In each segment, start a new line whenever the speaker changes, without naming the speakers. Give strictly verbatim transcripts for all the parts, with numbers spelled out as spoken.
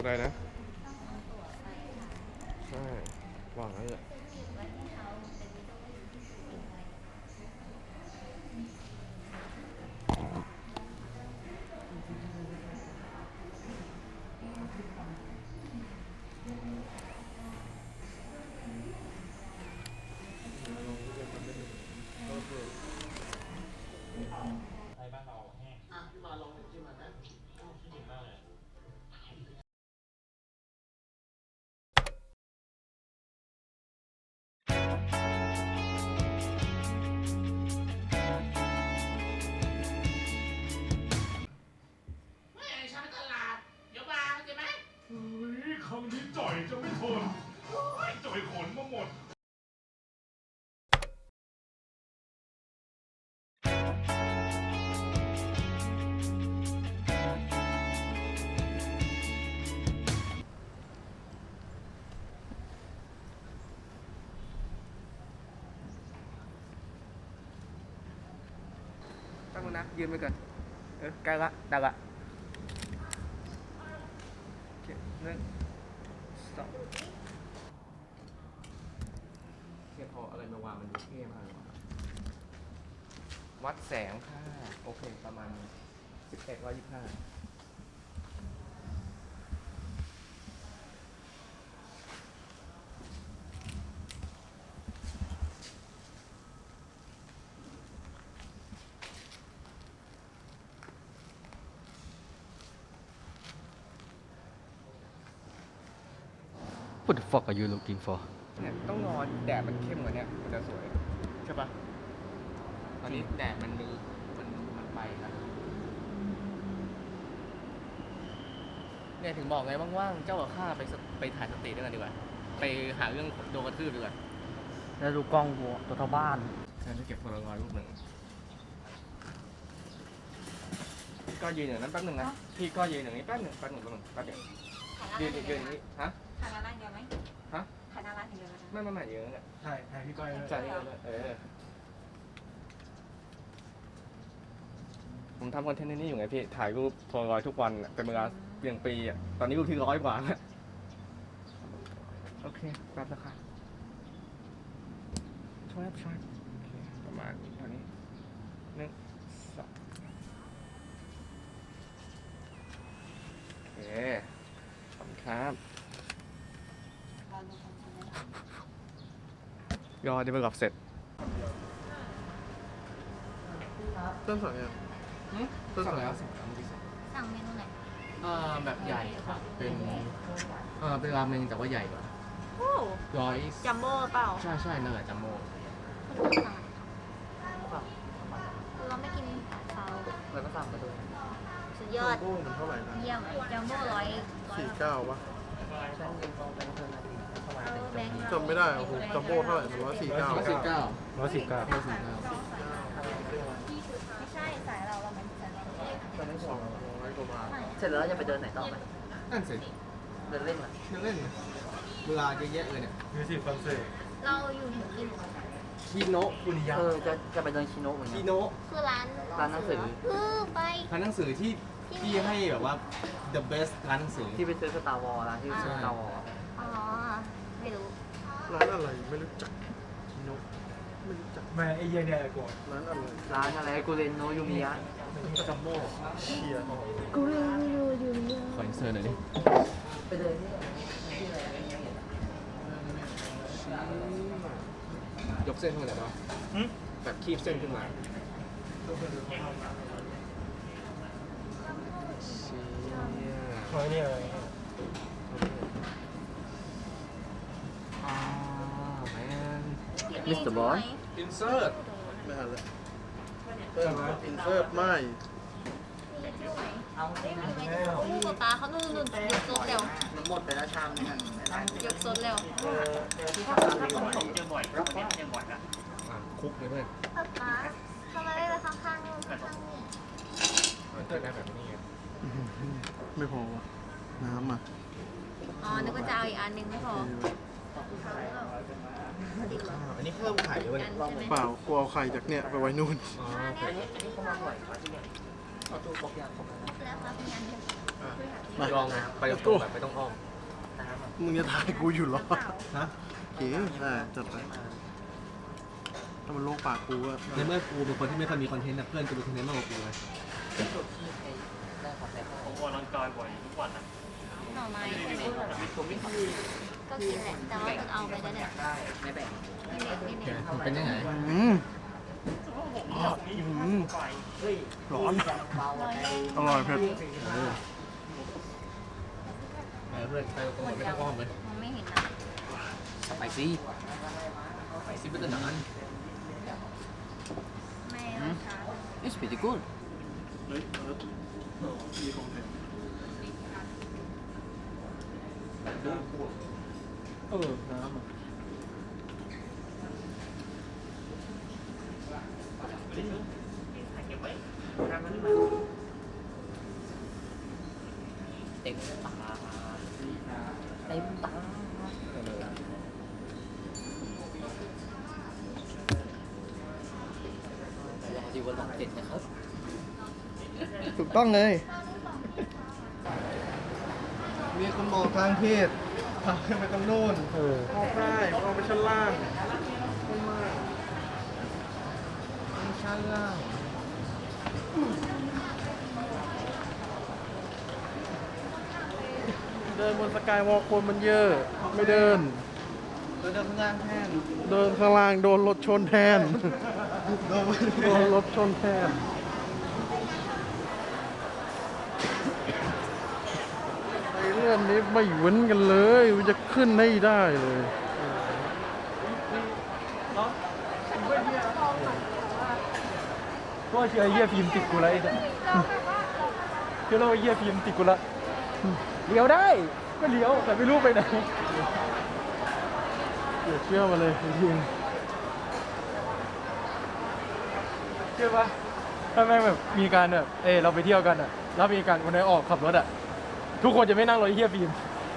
อะไรนะใช่วางแล้วเนี่ย
ไอ้บ้านเราแห้งอ่ะพี่มาลองจิ้มมันนะขี้เหม็นมากเลย
ไม่ไอ้ชาไปตลาดเดี๋ยวมาเข้าใจไหม
เฮ้ยคำนี้จ่อยจะไม่ทนโอ้ยจ่อยขนมาหมด
ตั้งนะยืนไปก่อนเออใกล้ละได้ละโอเคหนึ่งสองเทียนพออะไรมาวางมันดูเท่มากเลยว่ะวัดแสงค่ะโอเคประมาณสิบเอ็ดร้อยยี่สิบห้า
What the fuck are you looking for
เนี่ยต้องนอนแดดมันเข้มกว่านี้มันจะสวยใช่ปะตอนนี้แดดมันมีมันมันไปนะเนี่ยถึงบอกไงว่างๆเจ้ากับข้าไปสไปถ่ายสตรีทด้วยกันดีกว่าไปหาเรื่องโดนกระทืบดีกว่า
แล้วดูกล้องกูตัวเท่าบ้าน
ฉันจะเก็บโพลารอยด์รูปหนึ่งพี่ก็ยืนอย่างนั้นแป๊บหนึ่งนะพี่ก็ยืนอย่างนี้แป๊บหนึ่งแป๊บหนึ่งแป๊บหนึ่งแป๊บเดียวยืนยืนอย่างนี้ฮะ
ถ่ายหน้าร้านเดียวไหม
ฮะ
ถ่ายหน้าร้านเดียวไหม
ไม่ไม่ไม่ยืนอย่างนั้นแหละ
ใช่ใช่พี่ก้อยเลย
ใช่เลยเออผมทำคอนเทนต์นี้อยู่ไงพี่ถ่ายรูปโพลารอยด์ทุกวันอะเป็นเวลาเพียงปีอ่ะตอนนี้รูปที่ร้อยกว่าแล้วโอเคแป๊บนะคะช่วยช่วยโอเคประมาณเท่านี้หนึ่งสองโอเคขอบคุณครับยอดได้ไปกับเสร็จต้นสองยังต้นสองแล้วสั่งแล้วเมื่อกี้สั่ง
สั่งเมนูไหน
เอ่อแบบใหญ่ครับเป็นเอ่อเป็นราเมงแต่ว่าใหญ่กว่า
โอ้
ร้อย
จัมโบ้เปล่า
ใช่ใช่นั่นแหละจัมโบ้
เราไม่กินเขา
แล้วก็สั่งมาด้วย
สุดยอด
โบ้มันเท่าไหร่นะ
เยี่ยมจัมโบ้ร้อยร้อย
สี่เก้าวะ
ใช่เงินกองเป็นเท่านั้นเข้ามา
เอาแบงค์
จำไม่ได้โอ้โหจัมโบ้เท่าไหร่ร้อยสี่เก้า
ร้อยสี่เก้า
ร้อยสิบเก้า
ร้อยสี่เก้า
ไม่ใช่สายเราเราเป็นสายเรา
ตอนนั้นสอง
ร้อยกว่าบาท
เสร็จแล้วจะไปเดินไหนต่อไหม
นั่นสิ
เดินเล่นเหรอ
เล่นเล่นเวลาเยอะแยะเลยเนี่ย
มิวสิกคอนเสิร์ต
เราอยู่ถึงกี่โมง
คีโนะคุนิยะ
เออจะจะไปเดินชิโนะเหมือนกั
คี
น
โนะ
คือร้าน
ร้านหนังสือ
เออไป
ร้านหนังสือที่ที่ให้แบบว่า the best ร้านหนังสือ
ที่ไปซื้อสตาร์วอลร้านที่ซื้อสตาร์วอล
อ๋อไม่รู้
ร้านอะไรไม่รู้จักชิโนะไม่รู้จัก
แม่ไอ้เหี้ยเนี่ยกด
ร้านอะไร
ร้านอะไรกูเรนโนยูมิยะ
จัมโบ้
เชียร์
กูไม่รู้อยู่เนี่ย
ขออินเสิร์ตหน่อยดิ
ไปเดินที่
ยกเส้นขึ้นมาหน่อยได้ปะแบบคีบเส้นขึ้นมาเชี่ย
คอยเนี่ยเลย
อ่าแมน
มิสเตอร์บอส
อินเสิร์ต
ไม่ทันแล้วเพิ่มอินเสิร์ตไม่
เอาเอง
อู้กับปลาเขานู่นนู่นยกซดเร็ว
มันหมดไปแล้วชามนึงอ่ะ
ยกซดเร็ว
อ่ะคุกเลยเพื่อน
ป๊าป๊าทำไมไม่ไปข้างๆนู่นข้างๆนี่
มันเกิดได้แบบนี้ไง
ไม่พอวะน้ำอ่ะ
อ๋อนึกว่าจะเอาอีกอันหนึงไม่พอ
อ่าอันนี้เพิ่มไข่ด้วย
อั
เนี่ย
นใช่ไหม
เปล่ากูเอาไข่จากเนี่ยไปไว้นู่น
อ๋อ
อัน
โอเค
เนี้ย
อันนี้เขามาบ่อยกว่าที่เนี่ยเอาตู้ครบยังครบแล้ว
แล้วครับมีอันเดียว
อลองนะไปกับกูแบบไม่ต้องอ้อม
มึงจะถ่ายกูอยู่เหรอ ฮะโอเคได้จัดไปถ้ามันโลกปากกูอะ
ในเมื่อกูเป็นคนที่ไม่ค่อยมีคอนเทนต์นะเพื่อนกูเป็นคอนเทนต์มากกว่ากูเลย
หน่อไม้ใช่ไหมก็กินแหละแต่ว่าจะเอาไปแล้วเนี่ยไม่แบ่งไม่เล็กไม่เล็ก
เป็นยังไง
อืมอืมร้อน อร่อยเผ็ด
ไปเพื่อนไปตรงไหนไม่ต้องอ้อมเลย
มองไม่เห็นนะ
ไปสิไปสิเป็นนาน
ไม่เอาช้า
It's pretty good
เฮ้ยเออมีของแถม
เออน้ำอ่ะ
เต็มตาเต็มตารอดีวันหลังเจ็ดนะครับ
ถูกต้องเลย มีคนบอกทางเพศพาขึ้นไปตรงโน้น
เออ
ออกได้ออกไปชั้นล่างขึ้นมา
ชั้นล่าง
เดินบนสกายวอล์กคนมันเยอะ ไม่เดิน
เดินข้างล่างแทน
เดินข้างล่างโดนรถชนแทน โดนรถชนแทน ไอ้เรื่องนี้ไม่เว้นกันเลยมันจะขึ้นให้ได้เลย
ก็เชื่อเยี่ยฟิล์มติดกูแล้วไอ้เนี่ยเชื่อแล้วว่าเยี่ยฟิล์มติดกูละเลี้ยวได้ก็เลี้ยวแต่ไม่รู้ไปไหน
เดี๋ยวเชื่อมาเลยจริง
เชื่อปะถ้าแม่งแบบมีการแบบเออเราไปเที่ยวกันอ่ะแล้วมีการวันไหนออกขับรถอ่ะทุกคนจะไม่นั่งรถไอ้เฮียฟิล์ม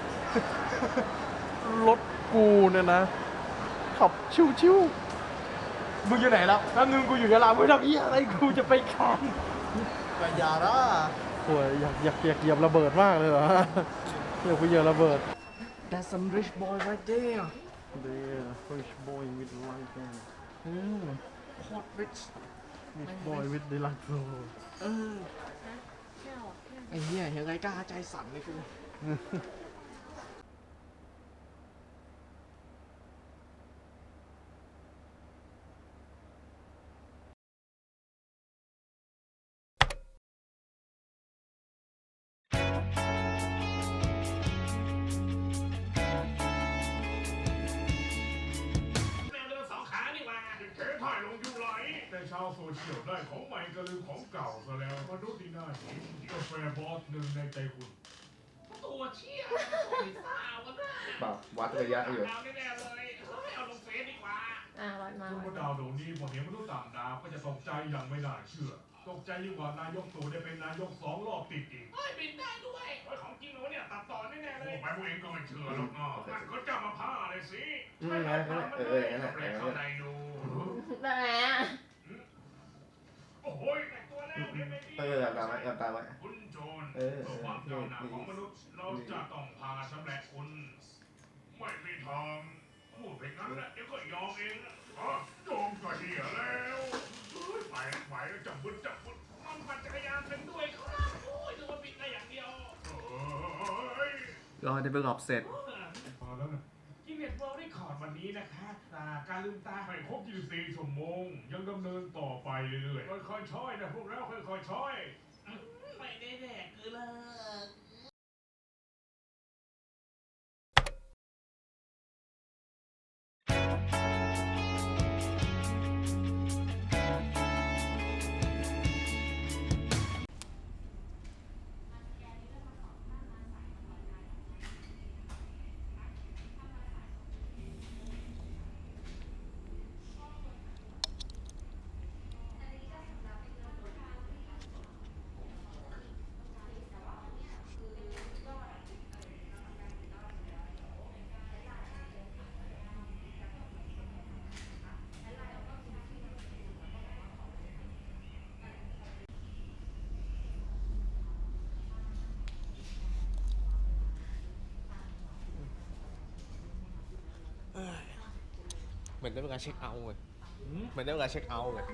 รถกูเนี่ยนะ ขับชิว
มึงอยู่ไหนแล้วแล้วนึงกูอยู่ยะลาไม่ทำเฮียอะไรกูจะไปคาน
ๆกัญญาร่าโอ้ยอยากอยากอยากเหยียบระเบิดมากเลยเหรอ อยากไปเหยียบระเบิด
That's some rich boy right there
There rich boy with light hair
อืมโคตร rich
rich boy with the light hair
เออไอ้เหี้ยเห็นไรกล้าใจสั่นเลยกู
แมวเดินสองขานี่หว่า
เก๋ถ่ายลงยูไลท์แต่ชาวโซเชียลได้ของใหม่ก็ลืมของเก่าซะแล้วมนุษย์ที่น่าเห็นกาแฟบอสหนึ่งในใจคุณ
ตัวเชี่ยโอ้ยซ่าวะน่ะ
เปล่าวัดระยะอยู่
เอาแน่ๆเลยเฮ้ยเอาลงเฟซดีกว่า
อ่ะวัดมา
คุณพระดาวดวงนี้พอเห็นมนุษย์ต่างดาวก็จะตกใจอย่างไม่น่าเชื่อ ตกใจยิ่งกว่านายกตู่ได้เป็นนายกสองรอบติดอีก
เฮ้ยบินได้ด้วย
เฮ้ยของจริงเหรอเนี่ยตัดต่อแน่ๆเลยโอ้ไปพวกเองก็ไม่เชื่อหรอกเนาะนั่นเขาจะมาผ้าเลยสิ
อืมงั้นงั้นเอองั้นแหละ
แปลกเข้าในดู
แบบไหนอ่ะ
โอ้โหแต่งตัวแล้วเห็นไหม
เออหลับตาไว้หลับตาไว้
คุณโจร
เออ
เพื่อความก้าวหน้าของมนุษย์เราจะต้องพาชำแหละคุณ ไม่มีทางพูดไปงั้นแหละเดี๋ยวก็ยอมเองนะอ๋อโจมก็เหี้ยแล้วเฮ้ยไปไปจับบึ้จับบึ้
มันปั่นจักรยานเป็นด้วยครับโอ้ยนึกว่าบินได้อย่างเดียว
เฮ้ย
รอเดเวลลอปเสร็จ
พอแล้วนะ
กินเน็ตเวิลด์ได้คอร์ดวันนี้นะคะตาการลืมตา
ให้ครบยี่สิบสี่ชั่วโมง ยังดำเนินต่อไปเรื่อยๆค่อยๆช้อยนะพวกเราค่อยๆช้อย
ไม่ได้แดกคือเลิก
เ
มือนได้เวลาเช็คเอาท์เลยเหมือนได้เวลาเช็คเอาท์เลย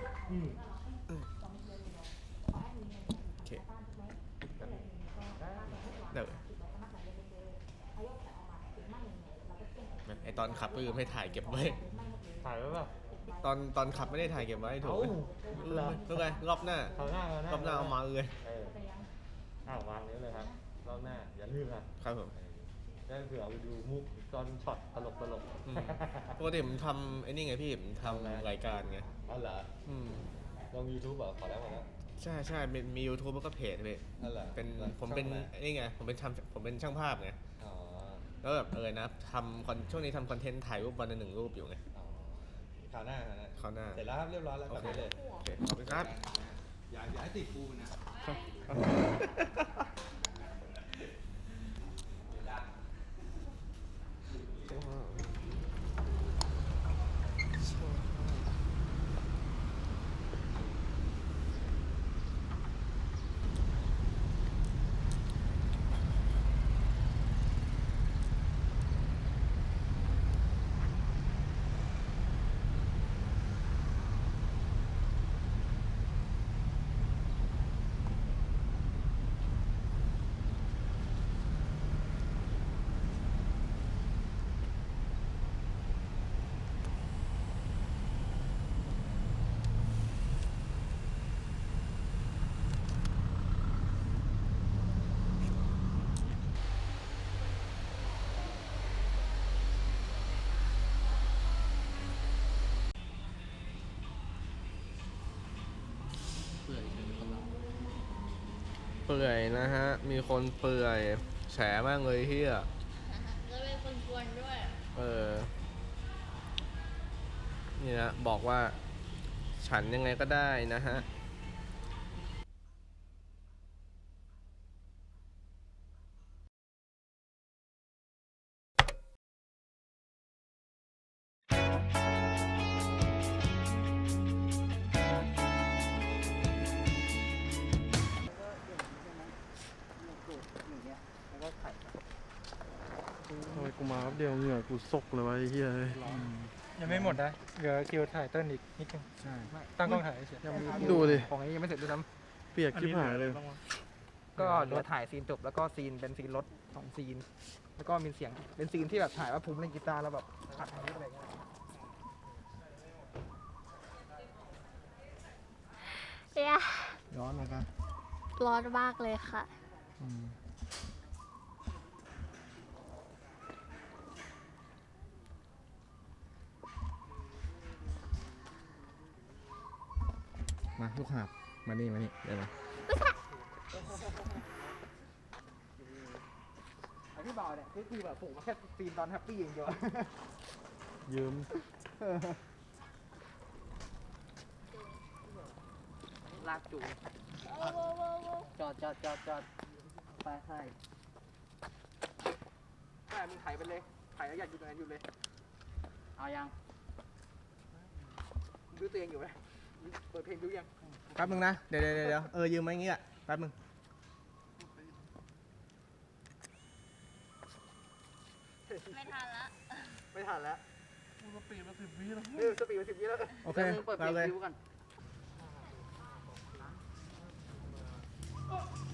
โอเคเดี๋ยวไอตอนขับก็คือไม่ถ่ายเก็บไว้
ถ่ายไว้ป่ะ
ตอนตอนขับไม่ได้ถ่ายเก็บไว้ถูก
เอ้าเหรอ
ทุกไงรอบหน้า
เขาหน้าเขาหน้าร
อบหน้าเอามาเลย
เอออ้าววางนี้เลยครับรอบหน้าอย่าลืมนะครับ
ผม
ได้เผื่อเอาไปดูมุกตอนช็อตตลกตลก
อืมปกติผมทำไอ้นี่ไงพี่ผมทำรายการไง
อ๋อเหรอ
อืม
ลงยูทูบเหรอขอแล้วขอแล้ว
ใช่ใช่มีมี YouTube แล้วก็เพจเลย
อ๋อเหรอ
เป็น
แล้ว
ผมเป็น
ช่องไหน
นี่ไงผมเป็นทำผมเป็นช่างภาพไง
อ๋อ
แล้วแบบเออนะทำคอนช่วงนี้ทำคอนเทนต์ถ่ายรูปวันละหนึ่งรูปอยู่ไง
อ๋อคราวหน้าคราวหน้า
คราวหน้า
เสร็จแล้วครับเรียบร้อยแล้วกลับได้เลย
โอเคขอบคุณครับ
อย่าอย่าให้ติดกูนะ
เปื่อยนะฮะ มีคนเปื่อยแฉมากเลยเฮีย
แล้วเป็นคนกวนด้วย
เออ นี่นะบอกว่าฉันยังไงก็ได้นะฮะ
ทำไมกูมาแป๊บเดียวเหงื่อกูซกเลยวะไอ้เหี้ย
ยังไม่หมดนะเหลือคิวถ่ายเต้นอีกนิดนึง
ใช่
ตั้งกล้องถ่ายเฉย
ยังมีดูดิ
ของนี้ยังไม่เสร็จด้วยซ้
เปียกชิบหายเลย
ำก็เหลือถ่ายซีนจบแล้วก็ซีนเป็นซีนรถสองซีน แล้วก็มีเสียงเป็นซีนที่แบบถ่ายว่าภูมิเล่นกีตาร์แล้วแบบอัดมาอะไรเงี้ย
เปีย
ร้อนนะครับ
ร้อนมากเลยค่ะ
มาลูกหาบมานี่มานี่เดี๋ยวนะ
ไอพี่บ่าวเนี่ยคือแบบผมแค่ซีนตอนแฮปปี้อย่างเดียว
ยืม
ลากจูจอดจอดจอดจอดไปใช่ใช่มึงถ่ายไปเลยถ่ายแล้วอยากอยู่ตรงนั้นอยู่เลย เอายังมึงดูตัวเองอยู่ไหมเปิดเพลงดูยัง
แป๊บนึงนะ เดี๋ยวเดี๋ยวเดี๋ยวเออยืมไว้อย่างงี้อ่ะแป๊บนึง
ไม่ทันละ
ไม่ทันแล้ว
สปีดมาสิบวิแล้ว
เออสปีดมาสิบวิแล้ว
โอเค
เปิดเพล
เอา
ง
เลย
ดูกัน